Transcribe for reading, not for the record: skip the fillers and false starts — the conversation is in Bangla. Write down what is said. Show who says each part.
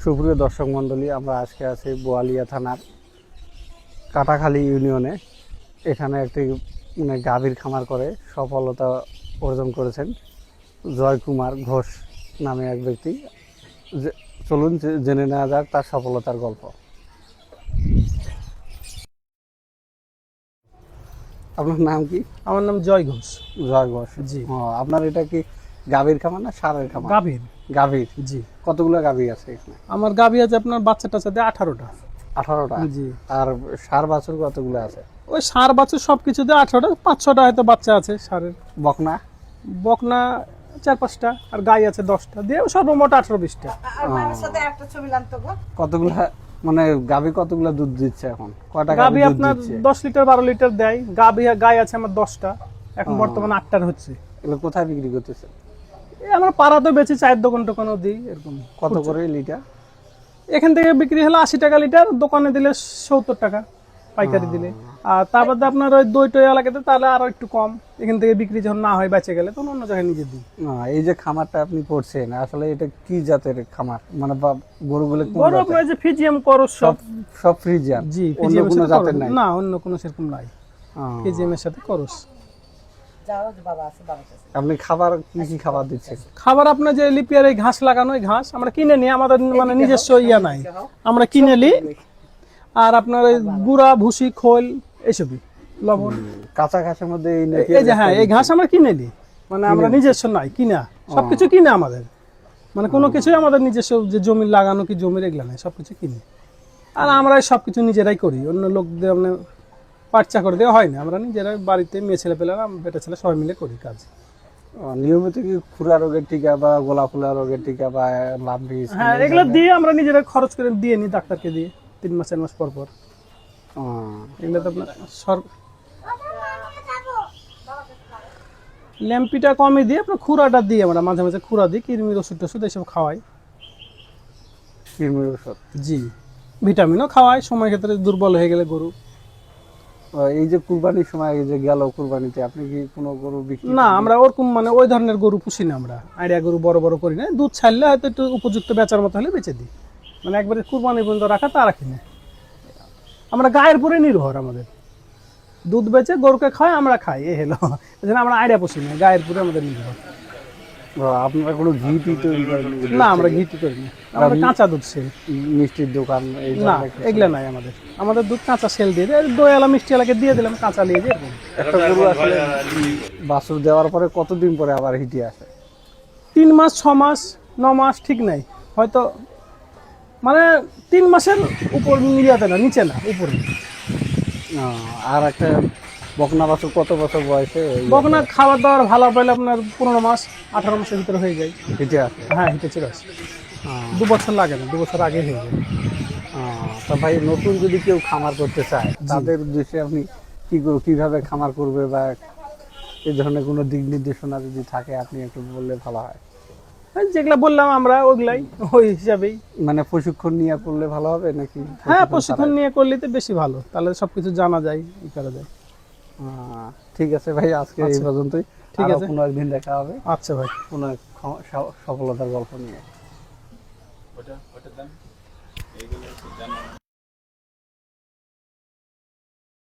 Speaker 1: সুপ্রিয় দর্শক মণ্ডলী, আমরা আজকে আছি বোয়ালিয়া থানার কাটাখালী ইউনিয়নে। এখানে একটি গাভীর খামার করে সফলতা অর্জন করেছেন জয়কুমার ঘোষ নামে এক ব্যক্তি। চলুন জেনে নেওয়া যাক তার সফলতার গল্প। আপনার নাম কি?
Speaker 2: আমার নাম জয় ঘোষ।
Speaker 1: জয় ঘোষ,
Speaker 2: জি।
Speaker 1: আপনার এটা কি গাভীর খামার না ষাঁড়ের খামার?
Speaker 2: গাভীর।
Speaker 1: গাভীর,
Speaker 2: জি।
Speaker 1: কতগুলো গাভী আছে এখানে?
Speaker 2: আমার গাভী আছে আপনার বাচ্চা টাচ্চা দিয়ে 18টা।
Speaker 1: 18টা?
Speaker 2: জি।
Speaker 1: আর ষাঁড় বাছুর কতগুলো আছে?
Speaker 2: ওই ষাঁড় বাছুর সবকিছু দিয়ে 18টা, 5-6টা হয়তো বাচ্চা আছে ষাঁড়ের।
Speaker 1: বকনা?
Speaker 2: বকনা 4-5টা, আর গাই আছে 10টা, দিয়ে সর্বমোট 18-20টা।
Speaker 1: কতগুলা মানে গাভী কতগুলা দুধ দিচ্ছে এখন? কয়টা
Speaker 2: গাভী
Speaker 1: গাভী দুধ
Speaker 2: আপনার
Speaker 1: দিচ্ছে?
Speaker 2: 10 লিটার 12 লিটার দেয়। গাই আছে আমার 10টা, এখন বর্তমানে 8টার হচ্ছে।
Speaker 1: এগুলো কোথায় বিক্রি করতেছে?
Speaker 2: এই আমরা পাড়াতে বেচি, চায়ের দোকান টোকানও দিই এরকম।
Speaker 1: কত করে লিটার?
Speaker 2: এখান থেকে বিক্রি হলো 80 টাকা লিটার, দোকানে দিলে 70 টাকা পাইকারি দিলে। আর তার বাদে আপনার ওই দই টই এলাকাতে তাহলে আরো একটু কম। এখান থেকে বিক্রি যখন না হয় বেঁচে গেলে তখন অন্য জায়গায় নিজে দিই।
Speaker 1: এই যে খামারটা আপনি করছেন, আসলে এটা কি জাতের খামার? মানে গরুগুলো কোন
Speaker 2: বড়
Speaker 1: জাতের?
Speaker 2: আপনার যে ফিজিয়াম করস
Speaker 1: সব সব ফ্রিজিয়ান?
Speaker 2: জি,
Speaker 1: অন্য
Speaker 2: ফিজিয়াম
Speaker 1: কোনো জাতের নাই?
Speaker 2: না, অন্য কোনো সেরকম নাই। ফিজিয়াম এর সাথে করস।
Speaker 1: আপনি খাবার কি কি খাবার দিচ্ছেন?
Speaker 2: খাবার আপনার যে লিপিয়ার এই ঘাস লাগানো, এই ঘাস আমরা কিনে নিই, আমাদের মানে নিজস্ব ইয়া নাই, আমরা কিনে নিই। আর আপনার ওই গুড়া ভুসি খোল এইসবই, লবণ।
Speaker 1: কাঁচা ঘাসের মধ্যে
Speaker 2: এই যে হ্যাঁ, এই ঘাস আমরা কিনে নিই, মানে আমরা নিজস্ব নাই, কিনা সবকিছু কিনে আমাদের, মানে কোনো কিছুই আমাদের নিজস্ব যে জমি লাগানো কি জমির এগুলা নাই, সবকিছু কিনে। আর আমরা সবকিছু নিজেরাই করি, অন্য লোক দিয়ে মানে পাটচা করে দেওয়া হয় না, আমরা নিজেরাই বাড়িতে মেয়ে ছেলে পেলেরা বেটা ছেলে সবাই মিলে করি কাজ।
Speaker 1: নিয়মিত কি খুরা রোগের টিকা বা গোলা ফুলা রোগের টিকা বা লাম্বি?
Speaker 2: হ্যাঁ, এগুলো দিয়ে আমরা নিজেরা খরচ করে দিয়ে নিই ডাক্তারকে দিয়ে 3 মাস 4 মাস পর পর। এগুলো তো আপনার ল্যাম্পিটা কমই দিয়ে আপনার খুরাটা দিই, আমরা মাঝে মাঝে খুরা দিই, কৃমির ওষুধ টষুধ এইসব খাওয়াই।
Speaker 1: কৃমির ওষুধ?
Speaker 2: জি, ভিটামিনও খাওয়াই সময় ক্ষেত্রে দুর্বল হয়ে গেলে গরু।
Speaker 1: এই যে কুরবানির সময় যে গেল কুরবানিতে আপনি কি কোনো গরু বিক্রি?
Speaker 2: না, আমরা ওরকম মানে ওই ধরনের গরু পুষি না, আমরা আইডিয়া গরু বড় বড় করি না। দুধ ছাড়লে হয়তো একটু উপযুক্ত বেচার মতো হলে বেচে দিই, মানে একবারে কুরবানি পর্যন্ত রাখা তা রাখি না। আমরা গায়ের উপরে নির্ভর, আমাদের দুধ বেচে গরুকে খায়, আমরা খাই, এই হলো। আমরা আইডিয়া পুষি না, গায়ের উপরে আমাদের নির্ভর।
Speaker 1: আপনারা কোনো ঘি টি তৈরি করেন?
Speaker 2: না, আমরা ঘি টি করি না, আমরা কাঁচা দুধ সেল।
Speaker 1: মিষ্টির দোকান
Speaker 2: না, এগুলা নাই আমাদের। আমাদের দুধ কাঁচা সেল দিয়ে দেয়, দই এলা মিষ্টি এলাকে দিয়ে দিলাম, কাঁচা নিয়ে দিয়ে।
Speaker 1: একটা গরু আসলে বাছুর দেওয়ার পরে কতদিন পরে আবার হিটে আসে?
Speaker 2: 3 মাস 6 মাস 9 মাস ঠিক নাই, হয়তো মানে 3 মাসের উপর মিলিয়াতে না, নিচে না, উপরে।
Speaker 1: আর একটা বকনা বাছুর কত বছর বয়সে?
Speaker 2: বকনা খাবার দাবার ভালো পাইলে আপনার 15 মাস 18 মাসের ভিতরে হয়ে যায়
Speaker 1: হিটে আসে?
Speaker 2: হ্যাঁ, হিটে চলে আসে। 2 বছর লাগে না, 2 বছর আগে হয়ে যায়।
Speaker 1: তা ভাই, নতুন যদি কেউ খামার করতে চায় তাদের উদ্দেশ্যে আপনি কিভাবে খামার করবে বা এই ধরনের কোনো দিক নির্দেশনা যদি থাকে আপনি একটু বললে ভালো হয়।
Speaker 2: যেগুলা বললাম আমরা ওগুলাই, ওই হিসাবেই।
Speaker 1: মানে প্রশিক্ষণ নিয়ে করলে ভালো হবে নাকি?
Speaker 2: হ্যাঁ, প্রশিক্ষণ নিয়ে করলে তো বেশি ভালো, তাহলে সবকিছু জানা যায়, ই করা যায়।
Speaker 1: ঠিক আছে ভাই, আজকে এই পর্যন্তই।
Speaker 2: ঠিক আছে,
Speaker 1: কোনো একদিন দেখা হবে।
Speaker 2: আচ্ছা ভাই,
Speaker 1: কোনো সফলতার গল্প নিয়ে।